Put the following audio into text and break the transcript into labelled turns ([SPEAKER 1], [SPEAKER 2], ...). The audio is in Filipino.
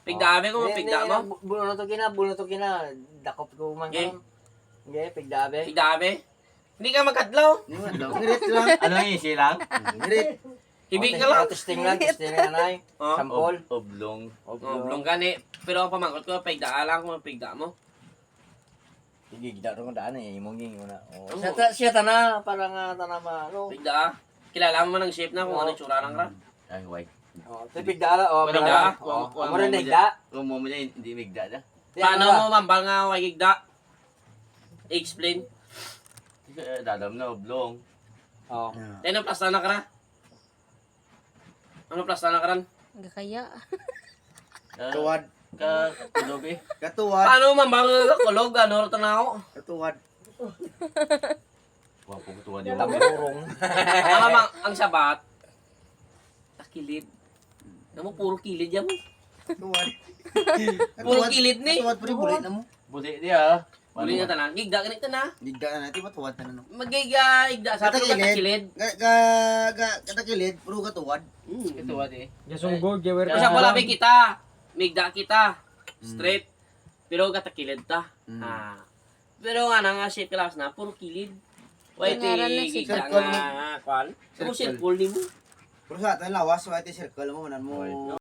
[SPEAKER 1] Pigdami ko, pigda mo.
[SPEAKER 2] Bulo to kina. Dakop ko man
[SPEAKER 1] Okay.
[SPEAKER 2] karon. Okay, pigdabe.
[SPEAKER 1] Pigdami. Hindi ka magkadlaw.
[SPEAKER 3] Ngirit lang.
[SPEAKER 4] Ano yung silang?
[SPEAKER 3] Ngirit.
[SPEAKER 1] Hibig ka lang.
[SPEAKER 2] Testing lang anay.
[SPEAKER 1] Oh.
[SPEAKER 2] Sampol.
[SPEAKER 4] Oblong.
[SPEAKER 1] Oblong gani. Pero ang pamangkot ko, pigda lang kung pigda mo.
[SPEAKER 2] Sige, gida ro daan eh, imong ging una. Oh.
[SPEAKER 1] Oo.
[SPEAKER 2] Siya tana para nga tana ano.
[SPEAKER 1] Pigda. Kilala mo ng shape na kung ano yung tsura ng ra.
[SPEAKER 4] Ay, white.
[SPEAKER 2] Oh, pigda la. Oh,
[SPEAKER 1] Pigda.
[SPEAKER 2] Oh,
[SPEAKER 1] Wa-
[SPEAKER 2] mo rin nagda.
[SPEAKER 4] Kung mo mo dyan, hindi migda na.
[SPEAKER 1] Paano mo mambal nga kay gigda? Explain.
[SPEAKER 4] Dadam na, oblong.
[SPEAKER 2] Oh.
[SPEAKER 1] Ano plasta na ka na? Ano plasta na ka ran?
[SPEAKER 5] Gakaya.
[SPEAKER 3] Tuwad.
[SPEAKER 4] Kulobi.
[SPEAKER 3] Katuwad.
[SPEAKER 1] Paano mambal nga kulog? Ano rin tanaw?
[SPEAKER 3] Katuwad.
[SPEAKER 4] Wapo ko tuwa di mo.
[SPEAKER 2] Taburong.
[SPEAKER 1] Ang sabat, takilid. Ano mo, puro kilid yan mo.
[SPEAKER 3] Katuwad.
[SPEAKER 1] Puro kilid ni.
[SPEAKER 3] Katuwad pa rin bulit na mo.
[SPEAKER 4] Buli niya.
[SPEAKER 1] Muli nga tanan. Gigda ganito na.
[SPEAKER 3] Nigda na natin matuwad na no.
[SPEAKER 1] Magiga, igda. Sa atin takilid.
[SPEAKER 3] Katakilid, puro katuwad.
[SPEAKER 4] Katuwa di.
[SPEAKER 2] Gasunggol, gawer
[SPEAKER 1] Kasi wala may kita. Migda kita. Straight. Pero katakilid ta. Ah. Pero nga nga shape class na, puro kilid. Wait,
[SPEAKER 5] Pangalan na si
[SPEAKER 1] gigda
[SPEAKER 3] Circle
[SPEAKER 1] nga. Kwan? Ano
[SPEAKER 3] Circle.
[SPEAKER 1] circle ni mo?
[SPEAKER 3] Pero sa atin lawas, white circle mo, manan mo.